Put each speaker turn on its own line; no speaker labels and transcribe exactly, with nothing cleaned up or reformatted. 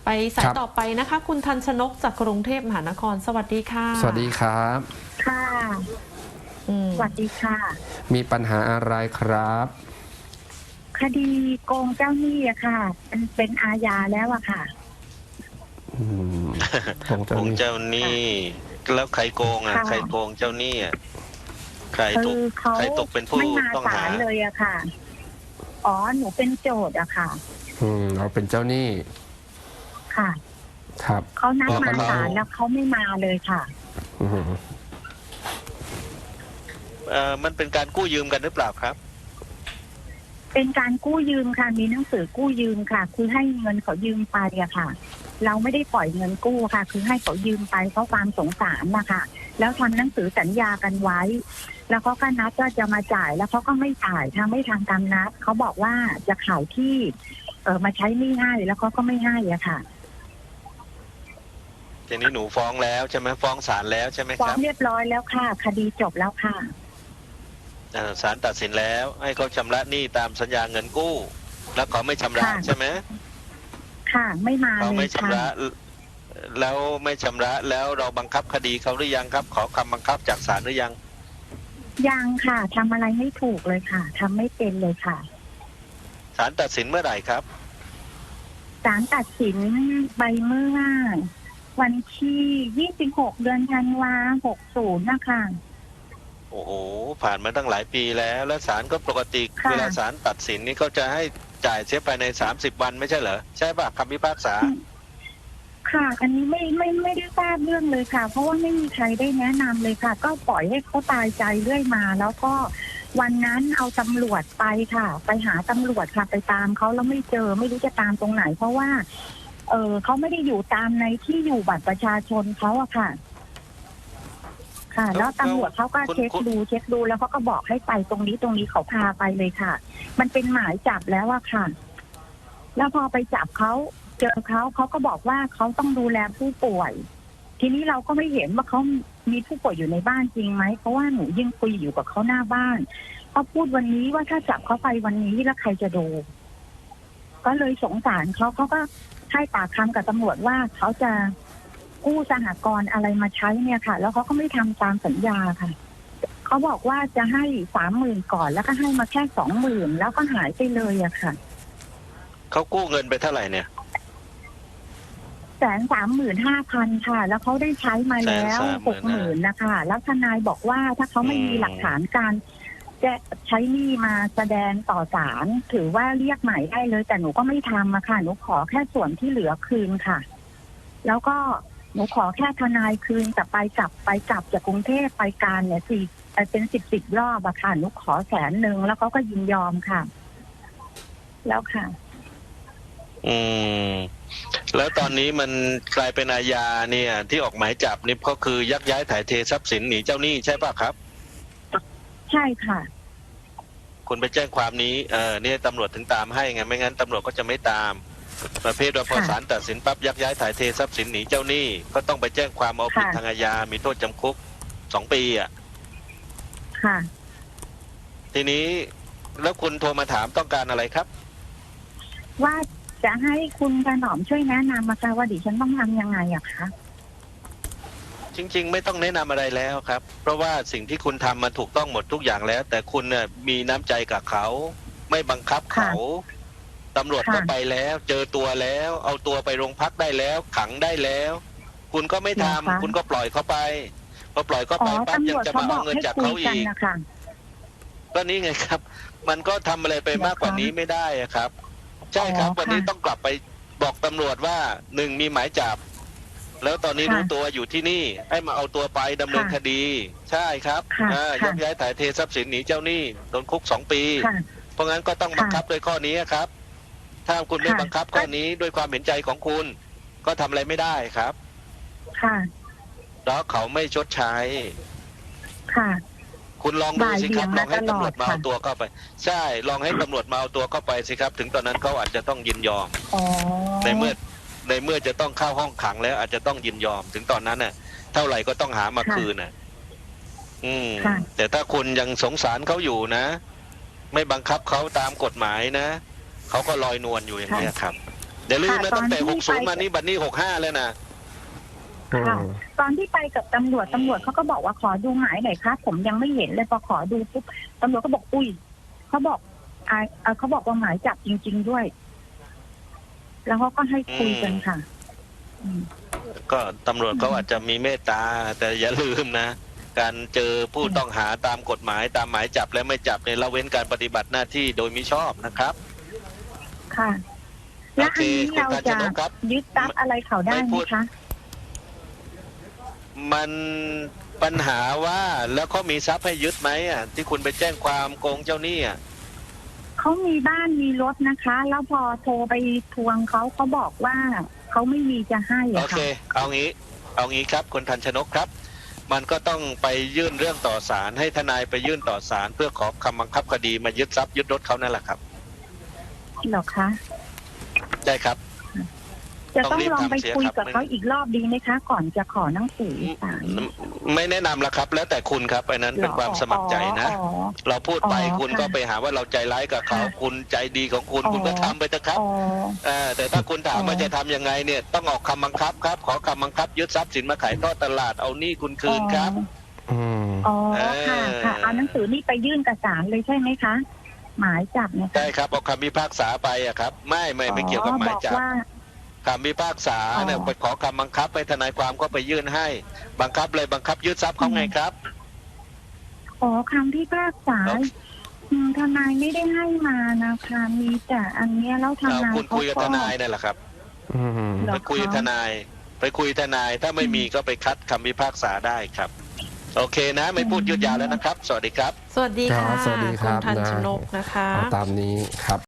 ไปสายต่อไปนะคะคุณทันชนกจากกรุงเทพมหานครสวัสดีค่ะ
สวัสดีครับ
ค่ะสวัสดีค่ะ
มีปัญหาอะไรครับ
คดีโกงเจ้าหนี้อะค่ะเป็นเป็นอาญาแล้วอะค่ะ
โกงเจ้า
โกง
หนี้
เจ้าหนี้แล้วใครโกงอ่ะใครโกงเจ้าหนี้อ่ะใครถูกใครตกเป็นผู้ต้องหา
เลยอะค่ะอ๋อหนูเป็นโจทย์อะค่ะ
อืมเราเป็นเจ้าหนี้
ค่ะ
ครับ
เขานัดมาศาลแล้วเขาไม่มาเลยค่ะ
อืม
เอ่อมันเป็นการกู้ยืมกันหรือเปล่าครับ
เป็นการกู้ยืมค่ะมีหนังสือกู้ยืมค่ะ คือให้เงินเขายืมไปอะค่ะเราไม่ได้ปล่อยเงินกู้ค่ะ คือให้เขายืมไปเพราะความสงสารนะคะแล้วทำหนังสือสัญญากันไว้แล้วเขาก็นัดว่าจะมาจ่ายแล้วเขาก็ไม่จ่ายทางไม่ทางตามนัดเขาบอกว่าจะขายที่เออมาใช้หนี้ให้แล้วเขาก็ไม่ให้อะค่ะ
ทีนี้หนูฟ้องแล้วใช่ไหมฟ้องศาลแล้วใช่ไหมครับ
ฟ้องเรียบร้อยแล้วค่ะคดีจบแล้วค่ะ
ศาลตัดสินแล้วให้เขาชำระหนี้ตามสัญญาเงินกู้ แล้วเขาไม่ชำระใช่ไหม
ค่ะไม่มา
เขาไม่
เลย
ชำระแล้วไม่ชำระแล้วเราบังคับคดีเขาหรือยังครับ ขอคำบังคับจากศาลหรือยัง
ยังค่ะทำอะไรไม่ถูกเลยค่ะทำไม่เป็นเลยค่ะ
ศาลตัดสินเมื่อไหร่ครับ
ศาลตัดสินใบเมื่อวันที่ยี่สิบหกเดือนธันวาหกสิบนะคะ
โอ้โหผ่านมาตั้งหลายปีแล้วแล้วศาลก็ปกติเวลาศาลตัดสินนี่เขาจะให้จ่ายเสียภายในสามสิบวันไม่ใช่เหรอใช่ป่ะคำพิพากษา
ค่ะอันนี้ไม่ไม่ไม่ได้ทราบเรื่องเลยค่ะเพราะว่าไม่มีใครได้แนะนำเลยค่ะก็ปล่อยให้เขาตายใจเรื่อยมาแล้วก็วันนั้นเอาตำรวจไปค่ะไปหาตำรวจค่ะไปตามเขาแล้วไม่เจอไม่รู้จะตามตรงไหนเพราะว่าเออเขาไม่ได้อยู่ตามในที่อยู่บัตรประชาชนเขาอะค่ะค่ะแล้วตำรวจเขาก็เช็คดูเช็คดูแล้วเขาก็บอกให้ไปตรงนี้ตรงนี้เขาพาไปเลยค่ะมันเป็นหมายจับแล้วอะค่ะแล้วพอไปจับเขาเจอเขาเขาก็บอกว่าเขาต้องดูแลผู้ป่วยทีนี้เราก็ไม่เห็นว่าเขามีผู้ป่วยอยู่ในบ้านจริงไหมเพราะว่าหนูยิ่งคุยอยู่กับเขาหน้าบ้านเขาพูดวันนี้ว่าถ้าจับเขาไปวันนี้แล้วใครจะดูก็เลยสงสารเขาเขาก็ให้ปากคำกับตำรวจว่าเขาจะกู้สหกรณ์อะไรมาใช้เนี่ยค่ะแล้วเขาก็ไม่ทำตามสัญญาค่ะเขาบอกว่าจะให้สามหมื่นก่อนแล้วก็ให้มาแค่สองหมื่นแล้วก็หายไปเลยอะค่ะ
เขากู้เงินไปเท่าไหร่เนี่ย
แสนสามหมื่นห้าพันค่ะแล้วเขาได้ใช้มาแล้วหกหมื่นนะคะแล้วทนายบอกว่าถ้าเขาไม่มีหลักฐานการจะใช้หนี้มาแสดงต่อศาลถือว่าเรียกหมายได้เลยแต่หนูก็ไม่ทำอะค่ะหนูขอแค่ส่วนที่เหลือคืนค่ะแล้วก็หนูขอแค่ทนายคืนแต่ไปกลับไปกลับจากกรุงเทพไปการเนี่ยสี่เป็นสิบสิบรอบอะค่ะหนูขอแสนหนึ่งแล้วเขาก็ยินยอมค่ะแล้วค่ะ
อืมแล้วตอนนี้มันกลายเป็นอาญาเนี่ยที่ออกหมายจับนี่ก็คือยักย้ายถ่ายเททรัพย์สินหนีเจ้าหนี้ใช่ป่ะครับ
ใช่ค่ะ
คุณไปแจ้งความนี้เออเนี่ยตำรวจถึงตามให้ไงไม่งั้นตำรวจก็จะไม่ตามประเภทว่าพอศาลตัดสินปั๊บยักย้ายถ่ายเททรัพย์สินหนีเจ้าหนี้ก็ต้องไปแจ้งความเอาผิดทางอาญามีโทษจำคุกสองปีอ่ะ
ค่ะ
ทีนี้แล้วคุณโทรมาถามต้องการอะไรครับ
ว่าจะให้คุณถนอมช่วยแนะนำมาค่ะว่าดิฉันต้องทำยังไงอะคะ
จริงๆไม่ต้องแนะนำอะไรแล้วครับเพราะว่าสิ่งที่คุณทำมาถูกต้องหมดทุกอย่างแล้วแต่คุณเนี่ยมีน้ำใจกับเขาไม่บังคับเขาตำรวจก็ไปแล้วเจอตัวแล้วเอาตัวไปโรงพักได้แล้วขังได้แล้วคุณก็ไม่ทำคุณก็ปล่อยเขาไปพอปล่อยเขาไปปั๊บยังจะมาเอาเงินจากเขาอีกก็นี่ไงครับมันก็ทำอะไรไปมากกว่านี้ไม่ได้ครับใช่ครับวันนี้ต้องกลับไปบอกตำรวจว่าหนึ่งมีหมายจับแล้วตอนนี้รู้ตัวอยู่ที่นี่ให้มาเอาตัวไปดำเนินคดีใช่ครับยักย้ายถ่ายเททรัพย์สินหนีเจ้าหนี้โดนคุกสองปีเพราะงั้นก็ต้องบังคับโดยข้อนี้ครับถ้าคุณไม่บังคับข้อนี้ด้วยความเห็นใจของคุณก็ทำอะไรไม่ได้ครับ
ค่ะ
แล้วเขาไม่ชดใช้
ค่ะ
คุณลองดูสิครับลองให้ตำรวจมาเอาตัวเข้าไปใช่ลองให้ตำรวจมาเอาตัวเข้าไปสิครับถึงตอนนั้นเขาอาจจะต้องยินยอมในเมื่อในเมื่อจะต้องเข้าห้องขังแล้วอาจจะต้องยินยอมถึงตอนนั้นน่ะเท่าไหร่ก็ต้องหามาคืนน่ะอืมแต่ถ้าคุณยังสงสารเขาอยู่นะไม่บังคับเขาตามกฎหมายนะเขาก็ลอยนวลอยู่อย่างนี้ครับอย่าลืมนะ
ค่ะ
ตั้งแต่
ตอนที่
หกสิบ
ไป
มานี่บัดนี้หกห้าแล้วนะ
อื
ค่ะ
ม
ตอนที่ไปกับตำรวจตำรวจเขาก็บอกว่าขอดูหมายหน่อยครับผมยังไม่เห็นเลยพอขอดูปุ๊บตำรวจก็บอกอุ้ยเขาบอกอ่าเอ่อเขาบอกว่าหมายจับจริง ๆด้วย แล้วเขาก็ให้คุยกันค่ะ อืม
ก็ตำรวจเขาอาจจะมีเมตตา แต่อย่าลืมนะ การเจอผู้ต้องหาตามกฎหมายตามหมายจับและไม่จับเนี่ยละเว้นการปฏิบัติหน้าที่โดยมิชอบนะครับ
ค่ะ และอันนี้
โอเค
เรา
คุณ
จะ
ทันชนกครับ
ยึดทรัพย์อะไรเขาได้
ไม่
ไห
พู
ม
ด
คะ
มันปัญหาว่าแล้วเขามีทรัพย์ให้ยึดไหมอ่ะที่คุณไปแจ้งความโกงเจ้าหนี้อ่ะ
เขามีบ้านมีรถนะคะ แล้วพอโทรไปทวงเขาเขาบอกว่าเขาไม่มีจะให้
โอ
อะ
เค
ค่ะ
เอางี้ เอางี้ครับคุณทันชนกครับ มันก็ต้องไปยื่นเรื่องต่อศาลให้ทนายไปยื่นต่อศาลเพื่อขอคำบังคับคดีมายึดทรัพย์ยึดรถเขานั่นแหละครับ
เหรอคะ
ได้ครับ
จะต้อง
ต้องรีบ
ลองไป
ทำเสีย
คุย
ครับ
กับเขาอีกรอบดีไหมคะ ก่อนจะขอหนังสือศาล
ไม่แนะนำละครับ แล้วแต่คุณครับอันนั้นเป็นความสมัครใจนะ
อ๋อ
เราพูดไป
อ๋อ
คุณ
ค่ะ
ก็ไปหาว่าเราใจร้ายกับเขา
ค่ะ
คุณใจดีของคุณ
อ๋อ
คุณก็ทำไปเถอะครับ
อ๋อ
เออแต่ถ้าคุณถาม
อ๋อ
ว่าจะทำยังไงเนี่ยต้องออกคำบังคับครับ ขอคำบังคับยึดทรัพย์สินมาขายทอดตลาดเอาหนี้คุณคืนครับ
อืม
อ๋อ
เออ
ค่ะค่ะเอาหนังสือนี่ไปยื่นกับศาลเลยใช่ไหมคะ หมายจับเนี่ยค่ะ
ได้ครับเอาคำพิพากษาไปอะครับ ไม่ไม่ไม่เกี่ยวกับหมายจับ
บอกว่า
คำพิพากษาเนี่ย
อ๋อ
ไปขอคำบังคับให้ทนายความก็ไปยื่นให้ บังคับเลยบังคับยึดทรัพย์เขาไงครับ
อ๋อคำที่พากษา
โอเค
อืมทนายไม่ได้ให้มานะคะมีแต่อันเนี้ยแล้วท
เอา
นาย
คุณ
เขา
คุยกับ
ก็
ทนายนั่นแหละครับ
อืม
เหรอ
ไปคุยกับทนาย ไปคุยทนายถ้าไม่มีก็ไปคัดคำพิพากษาได้ครับ โอเคนะ ไม่พูดยืดยาวแล้วนะครับ สวัสดีครับ
สวัสดี
ครั
ค่ะ
บสวัสดีครับ
ณทัน
นะ
ชนกนะคะ
เอาตามนี้ครับ